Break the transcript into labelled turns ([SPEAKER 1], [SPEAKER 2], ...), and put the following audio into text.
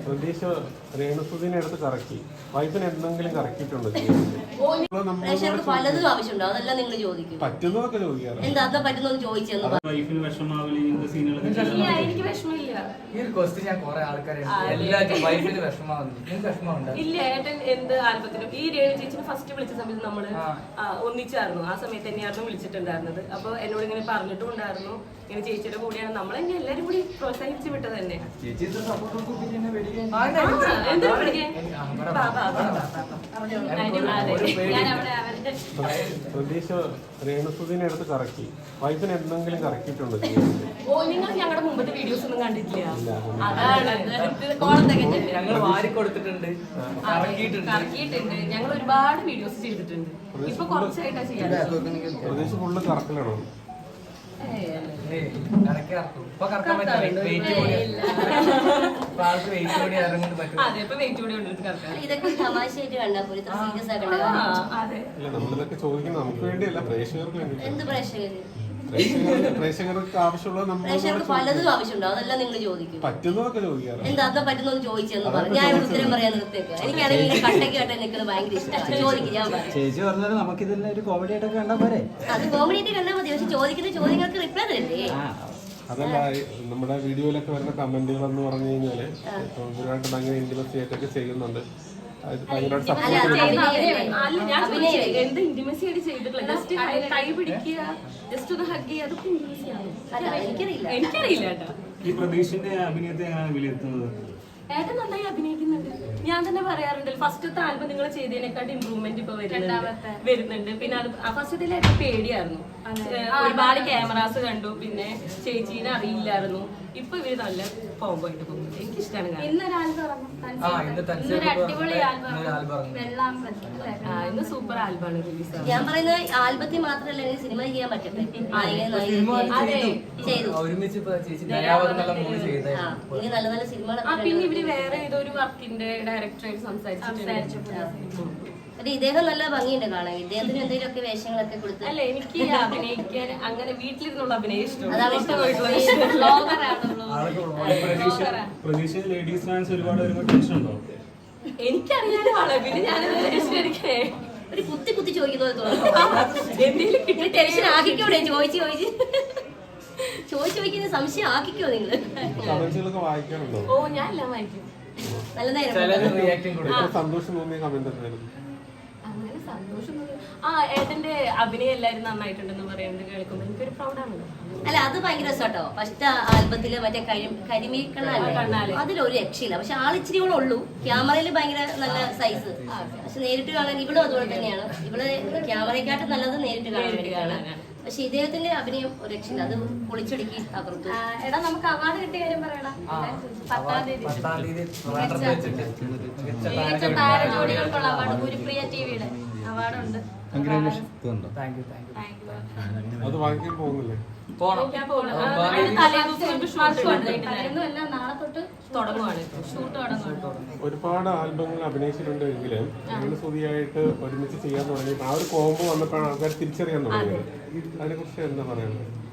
[SPEAKER 1] പ്രതീക്ഷ രേണുസുദിനെ എടുത്ത് കറക്കി വൈഫിന് എന്തെങ്കിലും കറക്കിയിട്ടുണ്ടോ?
[SPEAKER 2] പലതും ആവശ്യമുണ്ടോ? അതെല്ലാം നിങ്ങൾ ചോദിക്കും.
[SPEAKER 1] പറ്റുന്നതൊക്കെ ചോദിക്കാറ്.
[SPEAKER 2] എന്താ പറ്റുന്നത് ചോദിച്ചെന്ന്
[SPEAKER 3] എനിക്ക് വിഷമില്ല.
[SPEAKER 4] ഈ ഒരു ക്വസ്റ്റ്യൻ ഞാൻ കുറെ ആൾക്കാരെ എല്ലാവരും വൈഫിന് വിഷമമുണ്ട്.
[SPEAKER 3] ഇല്ല, ഏട്ടൻ എന്ത് ആൽബത്തിനും ഈ രേണു ചേച്ചിനെ ഫസ്റ്റ് വിളിച്ച സമയത്ത് നമ്മള് ഒന്നിച്ചായിരുന്നു. ആ സമയത്ത് തന്നെയായിരുന്നു വിളിച്ചിട്ടുണ്ടായിരുന്നത്. അപ്പൊ എന്നോട് ഇങ്ങനെ പറഞ്ഞിട്ടും ഉണ്ടായിരുന്നു, ഇങ്ങനെ ചേച്ചിയുടെ കൂടെയാണ് നമ്മൾ എന്നെ എല്ലാരും കൂടി പ്രോത്സാഹിപ്പിച്ച് വിട്ടത് തന്നെ.
[SPEAKER 1] പ്രതീക്ഷ രേണുസുദിനെ എടുത്ത് കറക്കി വൈഫിന് എന്തെങ്കിലും കറക്കിയിട്ടുണ്ടോ?
[SPEAKER 3] നിങ്ങൾ ഞങ്ങളുടെ മുമ്പത്തെ വീഡിയോസ് ഒന്നും കണ്ടിട്ടില്ല. അതാണ്
[SPEAKER 4] ഞങ്ങൾ വാരി കൊടുത്തിട്ടുണ്ട്,
[SPEAKER 3] കറക്കിയിട്ടുണ്ട്. ഞങ്ങൾ ഒരുപാട് വീഡിയോസ് ചെയ്തിട്ടുണ്ട്. ഇപ്പൊ കുറച്ചായിട്ടാ ചെയ്യാൻ.
[SPEAKER 1] പ്രതീക്ഷ ഫുള്ള് കറക്കലാണോ?
[SPEAKER 2] ഇതൊക്കെ തമാശയായിട്ട് കണ്ടാൽ പോലും സീരിയസ് ആയിട്ട്
[SPEAKER 1] നമ്മളിതൊക്കെ ചോദിക്കുന്നത് നമുക്ക് വേണ്ടിയല്ല, പ്രേക്ഷകർക്ക് വേണ്ടി.
[SPEAKER 2] എന്ത് പ്രേക്ഷകര്?
[SPEAKER 1] പ്രേക്ഷകർക്ക് ആവശ്യമുള്ളത്
[SPEAKER 2] പ്രേക്ഷകർക്ക് പലതും ആവശ്യമുണ്ടോ? അതെല്ലാം നിങ്ങൾ ചോദിക്കും.
[SPEAKER 1] പറ്റുന്നതൊക്കെ ചോദിക്കാറ്.
[SPEAKER 2] എന്താ പറ്റുന്നത് ചോദിച്ചെന്ന് പറഞ്ഞു. ഞാൻ ഉത്തരം പറയാൻ നിർത്തിയേക്ക്. എനിക്കാണെങ്കിൽ കട്ടയ്ക്ക് കട്ട നിൽക്കുന്നത് ഭയങ്കര ഇഷ്ടമാണ്. ചോദിക്കും, ഞാൻ പറഞ്ഞു.
[SPEAKER 5] ചേച്ചി പറഞ്ഞാൽ നമുക്ക് ഇതിൽ ഒരു കോമഡി ആയിട്ടൊക്കെ കണ്ടാൽ പോരെ?
[SPEAKER 2] അത് കോമഡി ആയിട്ട് കണ്ടാൽ മതി. പക്ഷെ ചോദിക്കുന്ന ചോദ്യങ്ങൾക്ക് റിപ്ലൈ തരണ്ടേ?
[SPEAKER 1] അതല്ല, നമ്മുടെ വീഡിയോയിലൊക്കെ വരുന്ന കമന്റുകൾ എന്ന് പറഞ്ഞു കഴിഞ്ഞാല് ഇവരുമായിട്ട് ഭയങ്കര ഇന്റിമസി ആയിട്ടൊക്കെ ചെയ്യുന്നുണ്ട്.
[SPEAKER 3] എന്ത് ഇന്റിമസി ആയിട്ട് ചെയ്തിട്ടില്ല. ജസ്റ്റ് കൈ പിടിക്കുക, ജസ്റ്റ് ഒന്ന് ഹഗ് ചെയ്യുക, അതൊക്കെ ഇന്റിമസിയാണ്. എനിക്കറിയില്ല കേട്ടോ.
[SPEAKER 6] ഈ പ്രതീക്ഷിന്റെ അഭിനയത്തെ എങ്ങനെയാണ് വിലയിരുത്തുന്നത്?
[SPEAKER 3] ഏട്ടൻ നന്നായി അഭിനയിക്കുന്നുണ്ട്. ഞാൻ തന്നെ പറയാറുണ്ട്, ഫസ്റ്റത്തെ ആൽബം നിങ്ങൾ ചെയ്തതിനെക്കാട്ട് ഇമ്പ്രൂവ്മെന്റ് ഇപ്പൊ വരുന്നുണ്ട്. പിന്നെ അത് ഫസ്റ്റത്തിൽ എനിക്ക് പേടിയായിരുന്നു. ഒരുപാട് ക്യാമറാസ് കണ്ടു, പിന്നെ ചേച്ചീനെ അറിയില്ലായിരുന്നു. ഇപ്പൊ ഇവര് നല്ല കോംബോ ആയിട്ട് പോകുന്നുണ്ട്. എനിക്കിഷ്ടമാണ്. ഇന്ന് സൂപ്പർ ആൽബമാണ് റിലീസ്.
[SPEAKER 2] ഞാൻ പറയുന്നത് ആൽബത്തിൽ മാത്രമല്ല, എനിക്ക് സിനിമ ചെയ്യാൻ പറ്റട്ടെ. ഇനി നല്ല നല്ല സിനിമകൾ.
[SPEAKER 3] പിന്നെ ഇവര് വേറെ ഏതൊരു വർക്കിന്റെ ഡയറക്ടറായിട്ട് സംസാരിച്ചിട്ടുണ്ട്.
[SPEAKER 2] ഇദ്ദേഹം നല്ല ഭംഗിയുണ്ട് കാണാൻ. ഇദ്ദേഹത്തിന് എന്തെങ്കിലുമൊക്കെ വേഷങ്ങളൊക്കെ കൊടുത്ത്.
[SPEAKER 3] അല്ല, എനിക്ക് അഭിനയിക്കാൻ അങ്ങനെ വീട്ടിലിരുന്നുള്ള അഭിനയം ഇഷ്ടമാണ്.
[SPEAKER 6] ലേഡീസ് ഫാൻസ് ഒരുപാട് ടെൻഷൻ ഉണ്ടോ?
[SPEAKER 3] എനിക്കറിയാനാണ്. പിന്നെ ഞാൻ
[SPEAKER 2] ഒരു കുത്തി ചോദിക്കുന്നത് എന്തെങ്കിലും ടെൻഷൻ ആക്കിക്കോടെ? ചോദിക്കുന്ന സംശയം ആക്കിക്കോ നിങ്ങള്.
[SPEAKER 3] ഓ, ഞാൻ എല്ലാം വായിക്കും.
[SPEAKER 2] നല്ല നേരം
[SPEAKER 1] സന്തോഷം തോന്നിയ കമന്റ് എന്തായിരുന്നു?
[SPEAKER 3] അങ്ങനെ സന്തോഷം. ഏട്ടന്റെ അഭിനയം എല്ലാരും നന്നായിട്ടുണ്ടെന്ന് പറയുന്നത് കേൾക്കുമ്പോൾ എനിക്കൊരു പ്രൗഡാണല്ലോ.
[SPEAKER 2] അല്ല, അത് ഭയങ്കര രസട്ടോ. ഫസ്റ്റ് ആൽബത്തില് മറ്റേ കരിമീൻ കണ്ണാല് അതിലൊരു രക്ഷയില്ല. പക്ഷെ ആളിച്ചിരി കൂടെ ഉള്ളൂ. ക്യാമറയിൽ ഭയങ്കര നല്ല സൈസ്. പക്ഷെ നേരിട്ട് കാണാൻ ഇവളും അതുപോലെ തന്നെയാണ്. ഇവള് ക്യാമറയെക്കാട്ടും നല്ലത് നേരിട്ട് കാണാൻ വേണ്ടിയിട്ടാണ്. പക്ഷെ ഇദ്ദേഹത്തിന്റെ അഭിനയം ഒരു രക്ഷയില്ല. അത് പൊളിച്ചൊടുക്കി തകർത്തു.
[SPEAKER 3] എടാ, നമുക്ക് അവാർഡ് കിട്ടിയ കാര്യം പറയണം. 10-ാം തീയതി മികച്ച താരജോഡികൾക്കുള്ള അവാർഡ് ഗുരുപ്രിയ ടിവിയുടെ അവാർഡുണ്ട്.
[SPEAKER 1] അത് വാങ്ങിക്കാൻ പോകുന്നില്ലേ? ഒരുപാട് ആൽബങ്ങൾ അഭിനയിച്ചിട്ടുണ്ട് എങ്കിലും രേണുസുദിയായിട്ട് ഒരുമിച്ച് ചെയ്യാൻ തുടങ്ങി. ആ ഒരു കോംബോ വന്നപ്പോഴാണ് ആൾക്കാർ തിരിച്ചറിയാൻ തുടങ്ങിയത്. അതിനെ കുറിച്ച് എന്താ പറയുന്നത്?